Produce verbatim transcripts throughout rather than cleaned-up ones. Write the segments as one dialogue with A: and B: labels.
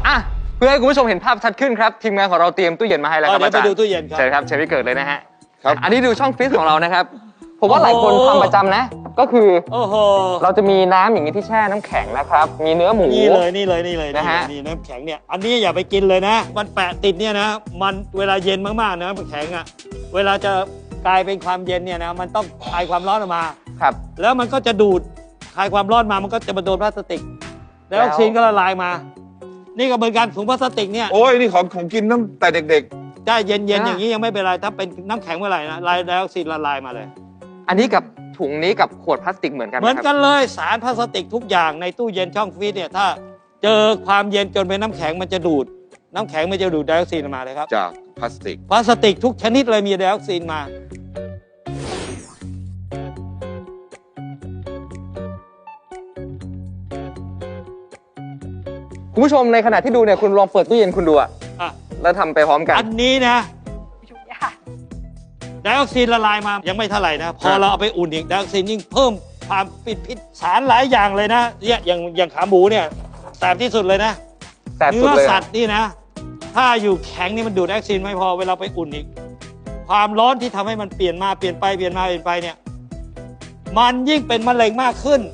A: อ่ะเพื่อให้คุณผู้ชมเห็นภาพชัดขึ้นครับทีมงานของเราเตรียมตู้เย็นมาให้แล้วครับ
B: เดี๋ยวไปดูตู้เย็นครับ
A: เชิญครับเชิญพี่เกิดเลยนะฮะ
C: ครับ
A: อันนี้ดูช่องฟรีซของเรานะครับผมว่าหลายคนทำประจำนะก็คือ
B: โอ้โห
A: เราจะมีน้ำอย่างนี้ที่แช่น้ำแข็งนะครับมีเนื้อหมู
B: นี่เลยนี่เลยนี่เลย
A: นะฮะ
B: นี่น้ำแข็งเนี่ยอันนี้อย่าไปกินเลยนะ มันแปะติดเนี่ยนะมันเวลาเย็นมากๆนะน้ำแข็งอ่ะเวลาจะกลายเป็นความเย็นเนี่ยนะมันต้องคายความร้อนออกมา
A: ครับ
B: แล้วมันก็จะดูดคายความร้อนมามันก็จะมาโดนพลาสติก แล้วออกซิเจนก็ละลายมา นี่ก็เหมือนกันถุงพลาสติกเนี่ย
C: โอ้ยนี่ของของกินตั้งแต่เด็ก
B: ได้เย็นๆอย่างนี้ยังไม่เป็นไรถ้าเป็นน้ำแข็งเมื่อไหร่นะลายไดออกซินละลายมาเลย
A: อันนี้กับถุงนี้กับขวดพลาสติกเหมือนกันไห
B: เห
A: ม
B: มือน
A: ครับ
B: กันเลยสารพลาสติกทุกอย่างในตู้เย็นช่องฟรีซเนี่ยถ้าเจอความเย็นจนเป็นน้ำแข็งมันจะดูด น้ำแข็งมันจะดูดไดออกซินมาเลยครับ
C: ๆ จากพลาสติก
B: พลาสติกทุกชนิดเลยมีไดออกซินมา
A: คุณผู้ชมในขณะที่ดูเนี่ยคุณลองเปิดตู้เย็นคุณดูอะ
B: อ่ะ
A: แล้วทำไปพร้อมกัน
B: อันนี้นะไดออกซินละลายมายังไม่เท่าไหร่นะ พอเราเอาไปอุ่นอีกไดออกซินยิ่งเพิ่มความปิดพิษสารหลายอย่างเลยนะเนี่ยอย่างอย่างขาหมูเนี่ยแสบที่สุดเลยนะ
A: แต่สุด
B: เนื้อ
A: เลย
B: สัตว์นี่นะ ถ้าอยู่แข็งนี่มันดูดไดออกซินไม่พอเวลาไปอุ่นอีก ความร้อนที่ทำให้มันเปลี่ยนมาเปลี่ยนไปเปลี่ยนมาเปลี่ยนไปเนี่ยมันยิ่งเป็นมะเร็งมากขึ้น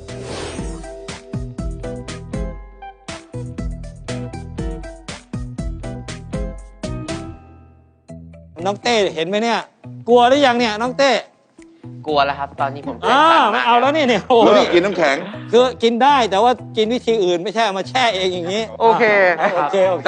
B: น้องเต้เห็นไหมเนี่ย กลัวหรือยังเนี่ยน้องเต้
D: กลัวแล้วครับ ตอนนี้ผมเคย
B: อ่า
D: สั่ง
B: ไม่เอาแล้วนี่เนี่ยโอ้โห
C: เลิ
B: นี่
C: กกินน้ำแข็ง
B: คือกินได้แต่ว่ากินวิธีอื่นไม่ใช่เอามาแช่เองอย่างนี้
A: โอเค
B: โอเคโอเค